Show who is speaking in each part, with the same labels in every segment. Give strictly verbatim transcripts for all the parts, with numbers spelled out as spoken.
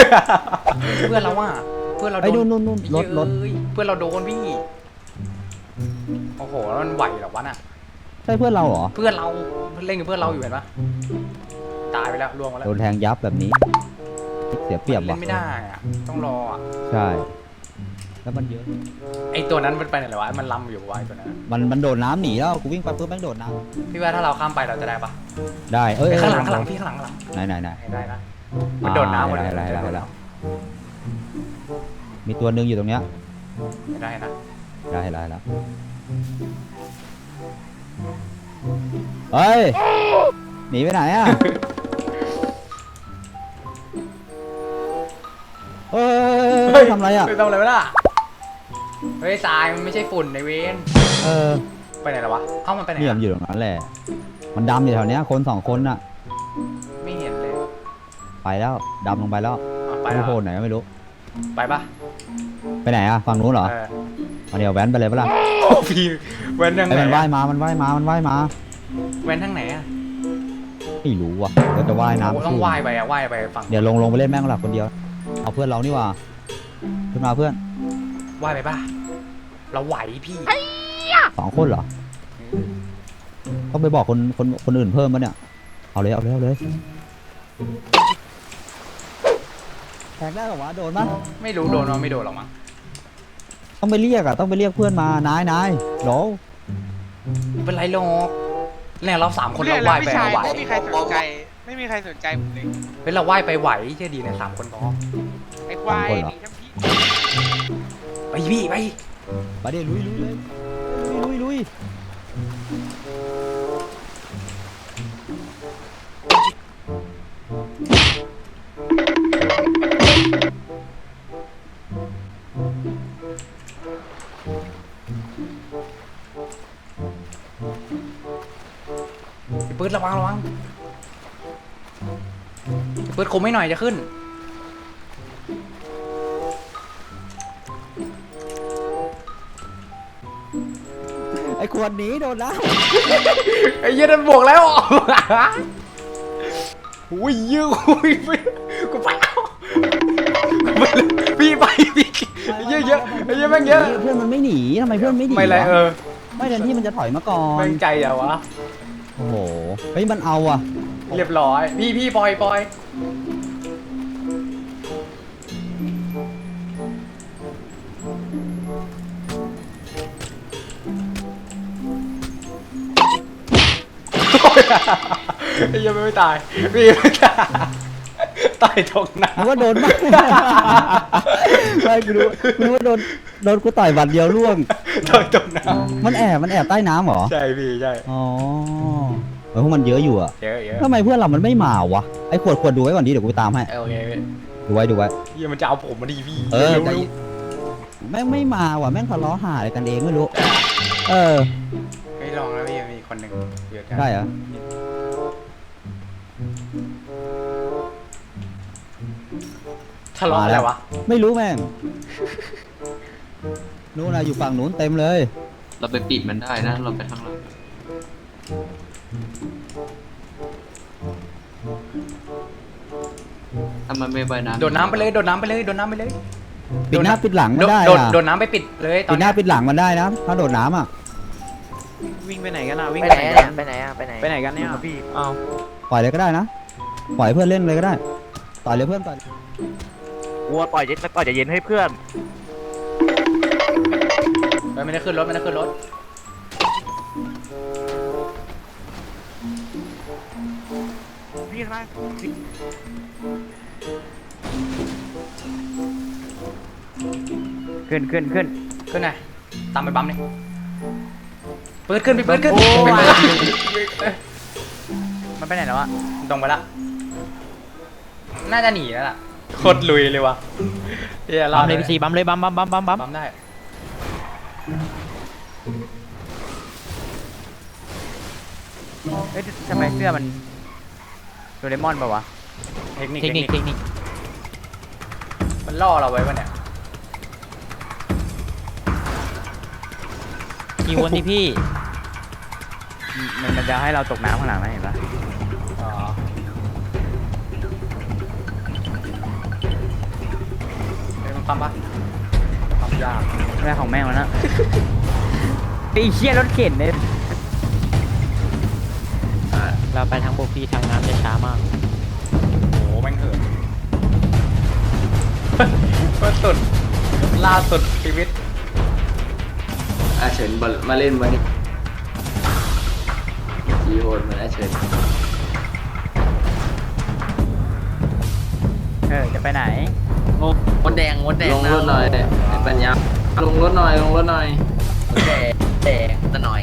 Speaker 1: เพื่อนเราว่าเพื่อนเราโด
Speaker 2: ไอ้นู่
Speaker 1: น
Speaker 2: นนู่นนู่นรถรถ
Speaker 1: เย้ยเพื่อนเราโดนพี่โอ้โหแล้วมันไหวเหรอวะน่ะ
Speaker 2: ใช่เพื่อนเราเหรอ
Speaker 1: เพื่อนเราเล่นกับเพื่อนเราอยู่เห็นปะตายไปแล้วล่วงมาแล้ว
Speaker 2: โดนแทงยับแบบนี้เสียเปรียบ
Speaker 1: เล่
Speaker 2: ว่ะ
Speaker 1: นไม่ได้อะต้องรออะ
Speaker 2: ใช่แล้วมันเยอะ
Speaker 1: ไอตัวนั้นมันไปไหนเหรอวะมันลำอยู่วะไอตัวนั้น
Speaker 2: มันมันโดดน้ำหนีแล้วกูวิ่งไปปุ๊บแม่งโดดน้
Speaker 1: พี่ว่าถ้าเราข้ามไปเราจะได้ปะ
Speaker 2: ำได้เอ้ย
Speaker 1: ไอ้
Speaker 2: เอ้ย
Speaker 1: ข้างหลังข้างหลังพี่ข้างหลังข้างหลัง
Speaker 2: ไหนไหนไหน
Speaker 1: ได้นะมันโดดน้ำหมดเลย
Speaker 2: ได้ได้ได้ได้มีตัวหนึ่งอยู่ตรงเนี้ย
Speaker 1: ได้นะ
Speaker 2: ได้ได้แล้วเฮ้ยหนีไปไหนอ่ะเฮ้ยทำอะไรอ่ะ
Speaker 1: ทำอะไรไม่ได้เฮ้ยทรายมันไม่ใช่ฝุ่นในเวน
Speaker 2: เออ
Speaker 1: ไปไหนแล้ววะเอ้ามันไปไหน
Speaker 2: เนี่ยมันอยู่ตรงนั้นแหละมันดำอยู่แถวเนี้ยคนสองคนน่ะ
Speaker 1: ไม่เห็นเลย
Speaker 2: ไปแล้วดำลงไปแล้ว
Speaker 1: ไป
Speaker 2: ไป
Speaker 1: แล้ว
Speaker 2: โผล่ไหนก็ไม่รู้
Speaker 1: ไปปะ
Speaker 2: ไปไหนอ่ะฝั่งนู้นเหรอ
Speaker 1: เออ
Speaker 2: มาเดี๋ยวแว้นไปเลยปะล่ะ
Speaker 1: โอ้พี่เว้นทาง
Speaker 2: ไอ้
Speaker 1: ไหน
Speaker 2: มันว่ายมามันว่ายมามันว่ายมา
Speaker 1: เว้นทางไหนอะ
Speaker 2: ไม่รู้ว่ะเราจะว่าย
Speaker 1: โอ้
Speaker 2: น้ำ
Speaker 1: ต้อง
Speaker 2: สู้
Speaker 1: ว่ายไปอะว่ายไปฝั่ง
Speaker 2: เดี๋ยวลงลงไปเล่นแม่งหลับคนเดียวเอาเพื่อนเรานี่ว่าขึ้นมาเพื่อน
Speaker 1: ว่ายไปปะเราไหวพี่
Speaker 2: สองคนเหรอต้องไปบอกคนคนคนอื่นเพิ่มปะเนี่ยเอาเลยเอาเลยเอาเลยแทงได้หรอวะโดนปะ
Speaker 1: ไม่รู้โดนว่าไม่โดนหรอกมั้ง
Speaker 2: ต้องไปเรียกอ่ะต้องไปเรียกเพื่อนมานายนายโหล
Speaker 1: เป็นไรหรอกเนี่ยเราสามคน
Speaker 3: เรื่อ
Speaker 1: เรา
Speaker 3: งแล้ว
Speaker 1: ว่ายไป
Speaker 3: พี่ชาย
Speaker 1: ไหว
Speaker 3: ไม่มีใครสนใจ ไม่มีใครสนใจผมเลย
Speaker 1: เฮ้ยเราว่ายไปไหวเชื่อดีในสามคนพอ
Speaker 3: ไอ้ควายหนีทั้งพี่
Speaker 1: ไปพี่ไป
Speaker 2: ไปเดี๋ยวลุยลุยเลยลุยลุยลุย
Speaker 1: ปืนระวังระวังปืนคมไม่หน่อยจะขึ้น
Speaker 2: ไอ้ขวดหนีโดนแล้ว
Speaker 1: ไอ้เหี้ยนั่นบวกแล้วอุ้ยยื้ออุ้ยกูไปแล้วพี่ไปพี่เยอะเยอะไอ้เหี้ยแม่งเยอะ
Speaker 2: เพื่อนมันไม่หนีทำไมเพื่อนไม่หนี
Speaker 1: ไม่ไรเออ
Speaker 2: ไม่แทนที่มันจะถอยมาก่อน
Speaker 1: แม่งใจเหรอวะ
Speaker 2: โอ้โหเฮ้ยมันเอาอ่ะ
Speaker 1: เรียบร้อยพี่พี่ปล่อยปล่อยไอ้ยังไม่ตายพี่ไม่ตายตายตกน้
Speaker 2: นึกว่าโดนมากไม่กูรู้กูรู้ว่าโดนโดนกูต่อยบัตรเดียวร่วง
Speaker 1: ำตายตกน้
Speaker 2: มันแอบมันแอบใต้น้ำเหรอ
Speaker 1: ำใช่พี่ใช่
Speaker 2: อ๋อเออพวกมันเยอะอยู่อะ
Speaker 1: เยอะเยอะ
Speaker 2: ทำไมเพื่อนเรามันไม่มาวะไอ้ขวดขวดดูไว้ก่อนดิเดี๋ยวกูไปตามให้
Speaker 1: โอเคพี่
Speaker 2: ดูไว้ดูไว้
Speaker 1: เฮียมันจะเอาผมมาดีพี่
Speaker 2: เออ
Speaker 1: รู้
Speaker 2: ใจ
Speaker 1: รู้
Speaker 2: แม่งไม่มาว่ะแม่งทะเลาะหาอะไรกันเองไม่รู้ เออ
Speaker 1: ไม่ลองแล้วพี่มีคนหนึ่งเยอะกัน
Speaker 2: ได้เหรอ
Speaker 1: ทะเลาะอะไรวะ
Speaker 2: ไม่รู้แม่งนู้นนะอยู่ฝั่งนู้นเต็มเลย
Speaker 4: เราไปปิดมันได้นะ เราไปทางหลังถ้ามันไม่ใบน้ำ
Speaker 1: โดดน้ำไปเลยโดดน้ำไปเลยโดดน้ำไปเลย
Speaker 2: ปิดหน้าปิดหลัง
Speaker 1: โด
Speaker 2: มัน
Speaker 1: ด
Speaker 2: ได้
Speaker 1: โดด
Speaker 2: อะ
Speaker 1: โดดน้ำไปปิดเลยตอ
Speaker 2: ปิ
Speaker 1: น
Speaker 2: ดห
Speaker 1: เนี้
Speaker 2: น้าย ปิดหลังมันได้นะถ้าโดดน้ำอ่ะ
Speaker 3: วิ่งไปไหนกันอ่ะวิ่ง
Speaker 5: ไป
Speaker 3: ไป
Speaker 5: ไหน
Speaker 3: ไหน
Speaker 5: อะ
Speaker 3: กัน
Speaker 5: ไปไหนอะไปไหน
Speaker 3: ไปไหนกันเนี่ยพี่อ้าว
Speaker 2: ปล่อยเลยก็ได้นะปล่อยเพื่อนเล่นเลยก็ได้ต่อยเลยเพื่อนต่อย
Speaker 5: วัวปล่อยเย็นปล่อยจะเย็นให้เพื่อน
Speaker 1: เฮ้ยไม่ได้ขึ้นรถไม่ได้ขึ้นรถ
Speaker 5: พี่ข้างล่าง
Speaker 3: ขึ้นขึ้นขึ้น
Speaker 1: ขึ้นไงตามไปบัมนี่เปิดขึ้นไปเปิดขึ้น
Speaker 3: โอ้ย
Speaker 1: ไปเปิดมันไปไหนแล้วอะตรงไปละน่าจะหนีแล้วล่ะโคตรลุยเลยวะเฮียรอ
Speaker 3: บั
Speaker 1: ด
Speaker 3: มเลยพี่ซีบัมเลยบัมบัมบัมบัมบัม
Speaker 1: บัมได้
Speaker 3: เอ้ยทำไมเสื้อมันโดเรมอนป่าวะ
Speaker 1: เทคนิค
Speaker 3: เทคนิคเทคนิค
Speaker 1: มันล่อเราไว้ปะเนี่ย
Speaker 3: กี่วนที่พี่มันมันจะให้เราตกน้ำข้างหลังนะเห็นปะ
Speaker 1: อ๋อความปะความยาก
Speaker 3: เรื่องของแม่งแล้วนะไอ้เชี่ยรถเข็นเนี่ย
Speaker 6: เราไปทางบกพี่ทางน้ำจะช้ามาก
Speaker 1: โอ้โหแม่งเหินก็สุดล่าสุดชีวิต
Speaker 7: อาเฉินบอลมาเล่นวันนี้จีโหดเหมือนอาเฉิน
Speaker 3: เออจะไปไหน
Speaker 6: งงมดแดงมดแดง
Speaker 7: ลงรถหน่อยไอ้ปัญญาลงรถหน่อยลงรถหน่อย
Speaker 6: มดแดงแดงตะหน่อย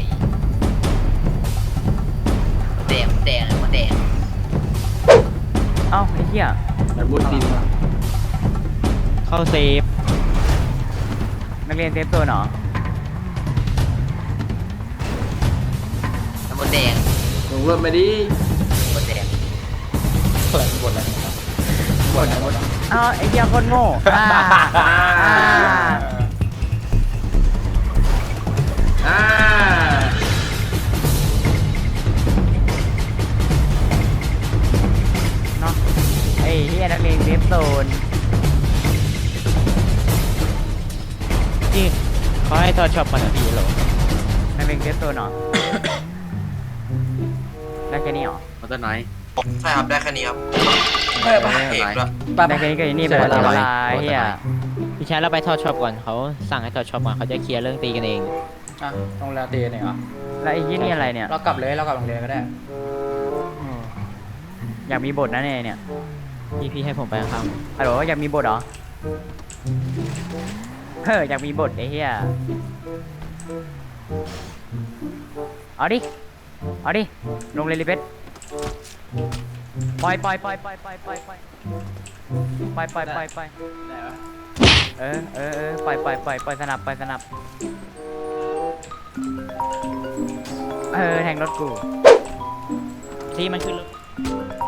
Speaker 6: แดงแดงมดแดง
Speaker 3: เอ้าไอ้เหี้ย
Speaker 7: มันบุดดิน
Speaker 6: เข้าเซฟ
Speaker 3: นักเรียนเซฟโซนเหรอ
Speaker 6: มดแดง
Speaker 7: ลงรถมาดิ
Speaker 6: มดแดง
Speaker 1: เปิดบทอะไรนะครับบทอะไรบทอะไร
Speaker 3: เอ้าไอ้เหี้ยคนโง่อ่าอ่า
Speaker 7: อ่า
Speaker 3: เนาะไอ้เหี้ยนักเรียนเซฟโซน
Speaker 6: นี่เขาให้ทอดช็อปมาหน่อยพี่เหรอ
Speaker 3: นักเรียนเซฟโซนเหรอ ได้แค่นี้เหรอ
Speaker 6: มดตะหน่อย
Speaker 8: ใช่ครับได้แค่นี้ครับ
Speaker 1: เออไป
Speaker 8: เอกด้วย
Speaker 1: ไป
Speaker 3: ได้แค่นี้ก็ไอ้นี่ไปละลายเหี้ย
Speaker 6: พี่ชายเราไปทอดช็อปก่อนเขาสั่งให้ทอดช็อปมาเขาจะเคลียร์เรื่องตีกันเอง
Speaker 1: อ่ะโรงแรมตีเนี่ยเหรอ
Speaker 3: แล้วไอ้ยี่นี่อะไรเนี่ย
Speaker 1: เรากลับเลยเรากลับโรงเรียนก็ได้
Speaker 3: อยากมีบทนะเนี่ยเนี่ย
Speaker 6: พี่พี่ให้ผมไปข้าง
Speaker 3: ฮัลโหลอยากมีบทเหรอเฮ้ยอยากมีบทไอ้เหี้ยเอาดิเอาดิลงเลยลิเบสปล่อยปล่อยปล่อยปล่อยปล่อยปล่อยปล่อยปล่อยปล่อยปล่อยปล่อยเออเออเออปล่อยปล่อยปล่อยปล่อยสนับปล่อยสนับเออแทงรถกู
Speaker 6: ที่มันขึ้นรถ